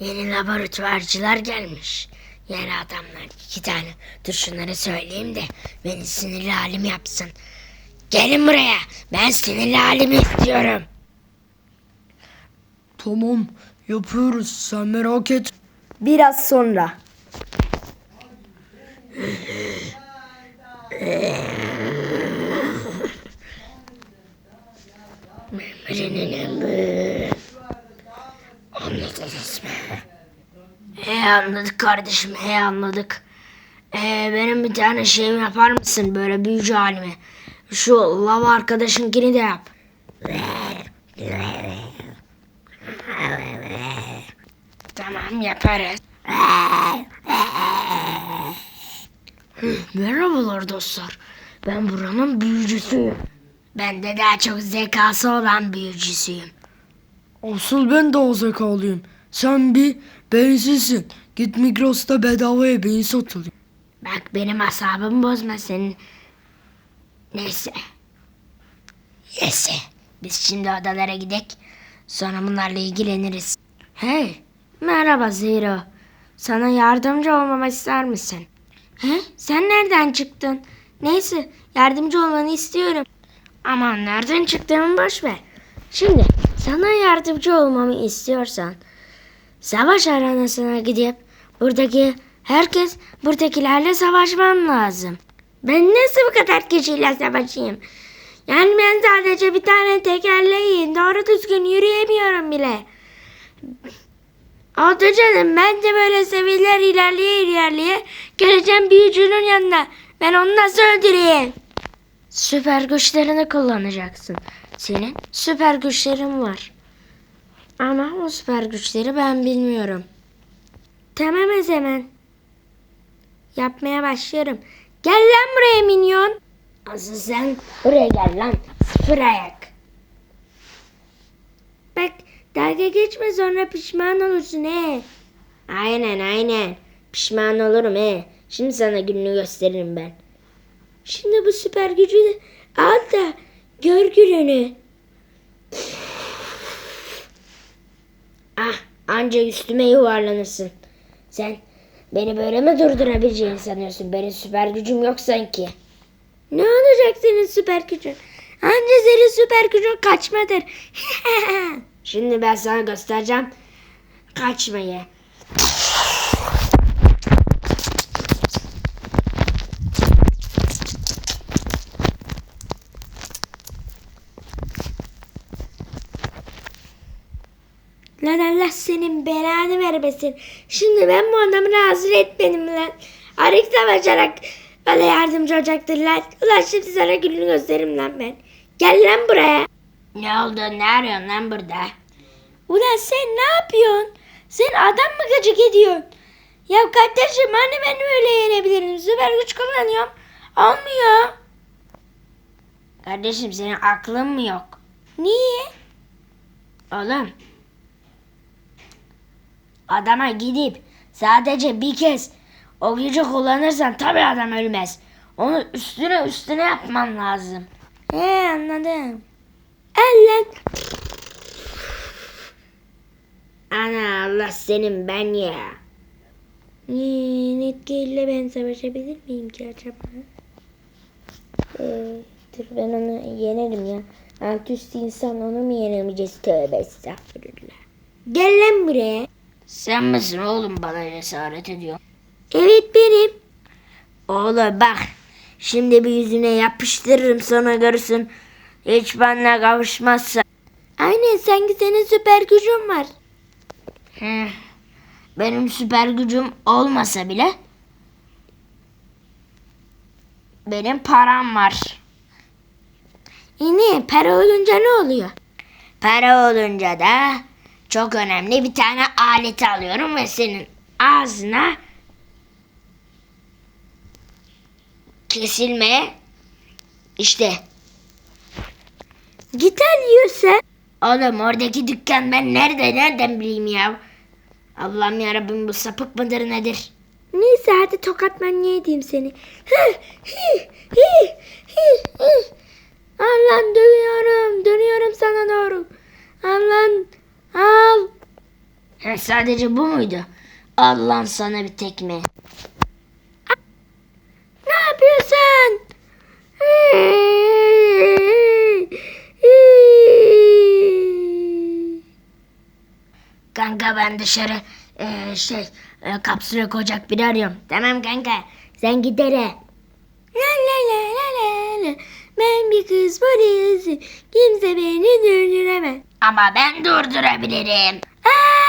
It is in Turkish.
Yeni laboratuvarcılar gelmiş. Yeni adamlar 2 tane. Dur şunları söyleyeyim de beni sinirli halim yapsın. Gelin buraya. Ben sinirli halimi istiyorum. Tamam, yapıyoruz, sen merak et. Biraz sonra. Anladınız mı? Anladık kardeşim, anladık. Benim bir tane şeyimi yapar mısın böyle büyücü halimi? Şu lava arkadaşınkini de yap. Tamam, yaparız. Merhabalar dostlar. Ben buranın büyücüsüyüm. Ben de daha çok zekası olan büyücüsüyüm. Asıl ben de o zekalıyım. Sen bir beyinsizsin. Git Migros'ta bedavaya beyin satılıyor. Bak benim asabımı bozma senin. Neyse. Biz şimdi odalara gidek. Sonra bunlarla ilgileniriz. Hey. Merhaba Zero. Sana yardımcı olmamı ister misin? He? Sen nereden çıktın? Neyse yardımcı olmanı istiyorum. Aman nereden çıktığımı boş ver. Şimdi sana yardımcı olmamı istiyorsan savaş arenasına gidip buradakilerle savaşman lazım. Ben nasıl bu kadar kişiyle savaşayım? Yani ben sadece bir tane tekerleğim. Doğru düzgün yürüyemiyorum bile. Oldu canım, ben de böyle seviyeler ilerleye geleceğim büyücünün yanına. Ben onu nasıl öldüreyim? Süper güçlerini kullanacaksın. Senin süper güçlerin var. Ama o süper güçleri ben bilmiyorum. Tamam o zaman. Yapmaya başlıyorum. Gel lan buraya minyon. Asıl sen buraya gel lan. Sıfır ayak. Bak dalga geçme sonra pişman olursun he. Aynen. Pişman olurum he. Şimdi sana gününü gösteririm ben. Şimdi bu süper gücü de al da gör gününü. Anca üstüme yuvarlanırsın. Sen beni böyle mi durdurabileceğini sanıyorsun? Benim süper gücüm yok sanki. Ne olacak senin süper gücün? Anca senin süper gücün kaçmadır. Şimdi ben sana göstereceğim kaçmayı. Lan Allah senin belanı vermesin. Şimdi ben bu adamı razı etmedim lan. Arık savaşarak bana yardımcı olacaktır lan. Ulan şimdi sana gününü gösteririm lan ben. Gel lan buraya. Ne oldu? Ne arıyorsun lan burada? Ulan sen ne yapıyorsun? Sen adam mı gıcık ediyorsun? Ya kardeşim hani ben öyle yenebilirim. Süper güç kullanıyorum. Olmuyor. Kardeşim senin aklın mı yok? Niye? Oğlum. Adama gidip sadece bir kez o gücü kullanırsan tabii adam ölmez. Onu üstüne yapman lazım. Anladım. Allah. Ana Allah senin ben ya. Netgear'le ben savaşabilir miyim ki acaba? Dur ben onu yenerim ya. Alt üst insan onu mu yenemeyeceğiz? Tövbe estağfurullah. Gel lan buraya. Sen misin oğlum bana cesaret ediyor? Evet benim. Oğlum bak. Şimdi bir yüzüne yapıştırırım sonra görürsün. Hiç benimle kavuşmazsa. Aynen sanki senin süper gücün var. Benim süper gücüm olmasa bile benim param var. Ne? Para olunca ne oluyor? Para olunca da çok önemli bir tane alet alıyorum ve senin ağzına kesilmeye işte. Git al yiyorsa. Oğlum oradaki dükkan ben nereden bileyim ya. Allah'ım yarabbim bu sapık mıdır nedir? Neyse hadi tokat manyağı edeyim seni. Allah'ım dönüyorum sana doğru. Allah'ım al. Demek sadece bu muydu? Allah'ın sana bir tekme. Ne yapıyorsun? Kanka ben dışarı kapsüle koyacak biri arıyorum. Tamam kanka sen git hele. La la la la la la. Ben bir kız polisi. Kimse beni durduremez. Ama ben durdurabilirim. Aa!